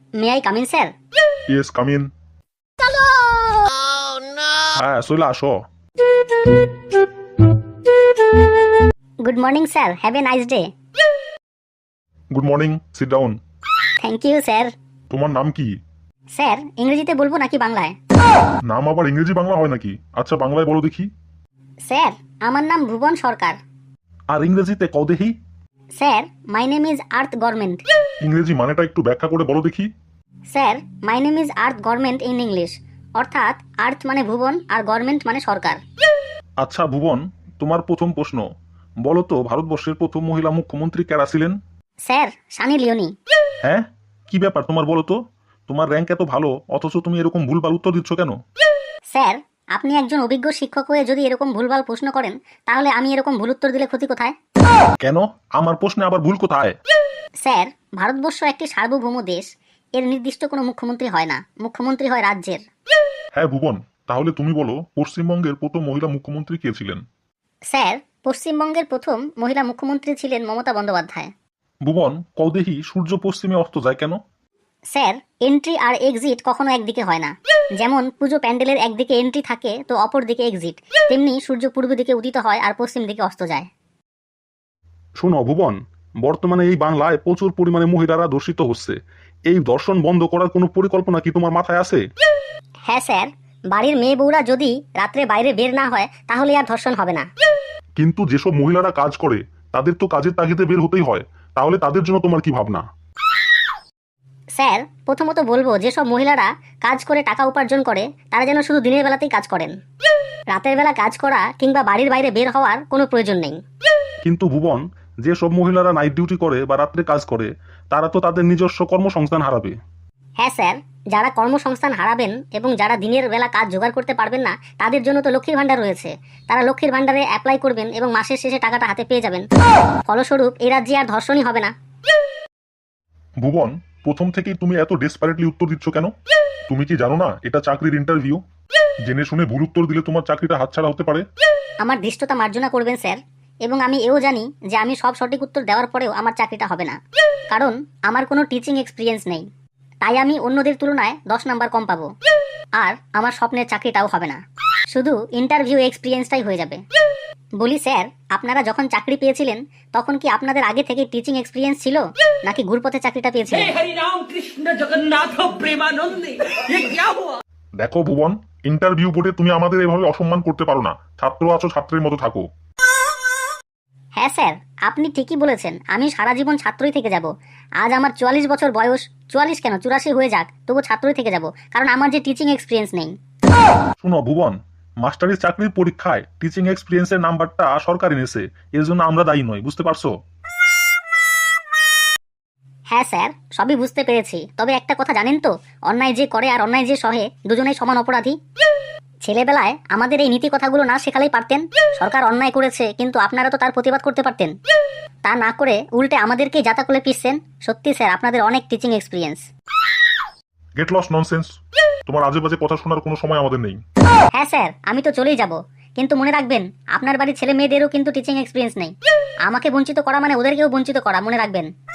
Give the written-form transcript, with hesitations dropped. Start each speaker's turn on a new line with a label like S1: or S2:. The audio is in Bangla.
S1: May I come in sir?
S2: Yes, come in. হ্যাঁ, চলে আসো।
S1: Good morning sir, have a nice day.
S2: Good morning, sit down.
S1: Thank you sir.
S2: তোমার নাম কি?
S1: স্যার, ইংরেজিতে বলবো নাকি বাংলায়?
S2: নাম আবার ইংরেজি বাংলা হয় নাকি? আচ্ছা, বাংলায় বলো দেখি।
S1: স্যার, আমার নাম ভুবন সরকার।
S2: আর ইংরেজিতে কও দেখি।
S1: Sir, my name is earth government.
S2: ইংরেজি মানেটা একটু ব্যাখ্যা করে বলো দেখি।
S1: Sir, my name is earth government in English, অর্থাৎ আর্থ মানে ভুবন আর গভর্নমেন্ট মানে সরকার।
S2: আচ্ছা ভুবন, তোমার প্রথম প্রশ্ন, বলো তো ভারতবর্ষের প্রথম মহিলা মুখ্যমন্ত্রী কারা ছিলেন?
S1: Sir, Sunny Leone.
S2: হ্যাঁ, কি ব্যাপার তোমার, বলো তো? তোমার র্যাঙ্ক এত ভালো অথচ তুমি এরকম ভুলভাল উত্তর দিচ্ছ কেন?
S1: স্যার, আপনি একজন অভিজ্ঞ শিক্ষক হয়ে যদি এরকম ভুলভাল প্রশ্ন করেন, তাহলে আমি এরকম ভুল উত্তর দিলে ক্ষতি কোথায়?
S2: কেন? আমার প্রশ্নে আবার ভুল কোথায়?
S1: স্যার, ভারতবর্ষ একটি সার্বভৌম দেশ। এর নির্দিষ্ট কোনো মুখ্যমন্ত্রী হয় না, মুখ্যমন্ত্রী হয় রাজ্যের।
S2: হ্যাঁ ভুবন, তাহলে তুমি বলো পশ্চিমবঙ্গের প্রথম মহিলা মুখ্যমন্ত্রী কে ছিলেন?
S1: স্যার, পশ্চিমবঙ্গের প্রথম মহিলা মুখ্যমন্ত্রী ছিলেন মমতা বন্দ্যোপাধ্যায়।
S2: ভুবন, কও দেখি সূর্য পশ্চিমে অস্ত যায় কেন?
S1: স্যার, এন্ট্রি আর এক্সিট কখনো একদিকে হয় না। যেমন পুজো প্যান্ডেলের একদিকে এন্ট্রি থাকে তো অপর দিকে এক্সিট, তেমনি সূর্য পূর্ব দিকে উদিত হয় আর পশ্চিম দিকে অস্ত যায়।
S2: শোনো ভুবন, বর্তমানে এই বাংলায় প্রচুর পরিমাণে মহিলারা ধর্ষিত হচ্ছে। এই ধর্ষণ বন্ধ করার কোনো পরিকল্পনা কি তোমার মাথায় আছে?
S1: হ্যাঁ স্যার, বাড়ির মেয়ে বউরা যদি রাত্রে বাইরে বের না হয় তাহলে আর ধর্ষণ হবে না।
S2: কিন্তু যেসব মহিলারা কাজ করে তাদের তো কাজের তাগিদে বের হতেই হয়, তাহলে তাদের জন্য তোমার কি ভাবনা?
S1: স্যার, প্রথমত বলবো যেসব মহিলারা কাজ করে টাকা উপার্জন করে তারা যেন শুধু দিনের বেলাতেই কাজ করেন। রাতের বেলা কাজ করা কিংবা বাড়ির বাইরে বের হওয়ার কোনো প্রয়োজন নেই।
S2: কিন্তু ভুবন, যেসব মহিলারা নাইট ডিউটি করে বা রাত্রে কাজ করে তারা তো তাদের নিজস্ব কর্মসংস্থান হারাবে।
S1: হ্যাঁ স্যার, যারা কর্মসংস্থান হারাবেন এবং যারা দিনের বেলা কাজ জোগাড় করতে পারবেন না তাদের জন্য তো লক্ষ্মীর ভান্ডার রয়েছে। তারা লক্ষ্মীর ভান্ডারে অ্যাপ্লাই করবেন এবং মাসের শেষে টাকাটা হাতে পেয়ে যাবেন। ফলস্বরূপ এই রাজ্যে আর ধর্ষণই হবে না।
S2: ভুবন, প্রথম থেকেই তুমি এত ডেসপারেটলি উত্তর দিচ্ছ কেন? তুমি কি জানো না এটা চাকরির ইন্টারভিউ? জেনে শুনে ভুল উত্তর দিলে তোমার চাকরিটা হাতছাড়া হতে পারে।
S1: আমার দৃষ্টতা মার্জনা করবেন স্যার, এবং আমি এও জানি যে আমি সব সঠিক উত্তর দেওয়ার পরেও আমার চাকরিটা হবে না, কারণ আমার কোনো টিচিং এক্সপিরিয়েন্স নেই। তাই আমি অন্যদের তুলনায় 10 নাম্বার কম পাবো, আর আমার স্বপ্নের চাকরিটাও হবে না, শুধু ইন্টারভিউ এক্সপিরিয়েন্সটাই হয়ে যাবে। বলি স্যার, আপনারা যখন চাকরি পেয়েছিলেন তখন কি আপনাদের আগে থেকে টিচিং এক্সপিরিয়েন্স ছিল নাকি ঘুরপথে চাকরিটা পেয়েছিলেন?
S2: দেখো ভুবন, ইন্টারভিউ বোর্ডে তুমি আমাদের এভাবে অসম্মান করতে পারো না। ছাত্র আছো, ছাত্রের মতো থাকো।
S1: হ্যাঁ স্যার, আপনি ঠিকই বলেছেন, আমি সারা জীবন ছাত্রই থেকে যাব। আজ আমার 44 বছর বয়স, 44 কেন 84 হয়ে যাক, তবু ছাত্রই থেকে যাব, কারণ আমার যে টিচিং এক্সপিরিয়েন্স নেই।
S2: শুনো ভুবন, মাস্টারির চাকরির পরীক্ষায় টিচিং এক্সপিরিয়েন্সের নাম্বারটা সরকার এনেছে, এর জন্য আমরা দায়ী নই, বুঝতে পারছো?
S1: হ্যাঁ স্যার, সবই বুঝতে পেরেছি, তবে একটা কথা জানেন তো, অন্যায় যে করে আর অন্যায় যে সহে দুজনেই সমান অপরাধী। ছেলেবেলায় আমাদের এই নীতি কথাগুলো না শেখালেই পারতেন। সরকার অন্যায় করেছে কিন্তু আপনারা তো তার প্রতিবাদ করতে পারতেন, তা না করে উল্টে আমাদেরকেই যাতা করে পিষছেন। সত্যি স্যার, আপনাদের অনেক teaching experience.
S2: Get lost nonsense, তোমার আজে বাজে কথা শোনার কোনো সময় আমাদের নেই।
S1: হ্যাঁ স্যার, আমি তো চলেই যাব, কিন্তু মনে রাখবেন আপনার বাড়ির ছেলে মেয়েদেরও কিন্তু টিচিং এক্সপিরিয়েন্স নেই। আমাকে বঞ্চিত করা মানে ওদেরকেও বঞ্চিত করা, মনে রাখবেন।